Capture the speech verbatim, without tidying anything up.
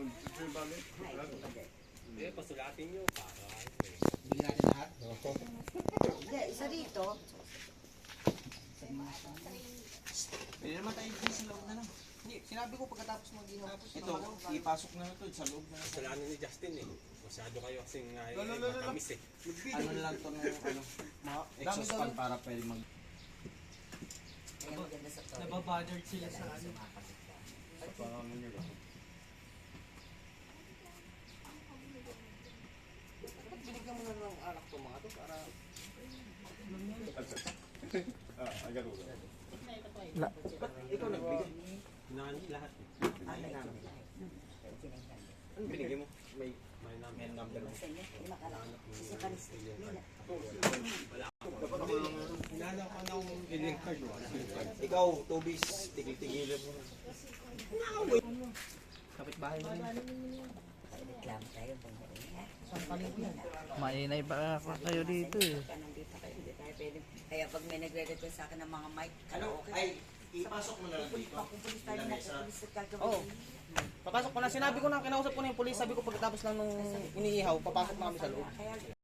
Eh, pasulatin nyo para. Bili natin lahat. Hindi, isa dito. Pwede naman tayo dito sa loob na lang. Hindi, sinabi ko pagkatapos mag-ihaw. Ito, ipasok na ito sa loob na lang. Kasalanan ni Justin eh. Masyado kayo kasing uh, Lolo, lolo, lolo. matamis eh. Ano lang to ng ano, exhaust fan para pwede mag... Kaya maganda sa to. Nababothered sila sa ano. Binigyan mo na ng alak to mga to para... Ikaw nagbigay. Hinaan niyo lahat eh. Ay, namin. Ano binigay mo? May May namin. may number mo. Kasi niya, hindi makalala. Kasi kalis, nila. Hinaan ko ng healing card. Ikaw, Tobis, tigil-tigilan mo. Kapit bahay mo rin. Reklamo tayo. Mainay pa kayo dito eh. Nandito kayo, hindi tayo pwede. Kaya pag may nagre-request sa akin ng mga mic, Ano? Ay, ipasok mo na lang dito. pupulis tayo na, pupulis at gagawin. Oo. Papasok ko na. Sinabi ko na, kinausap ko na yung pulis. Sabi ko pagkatapos lang nung iniihaw, papasok na kami sa loob. Kaya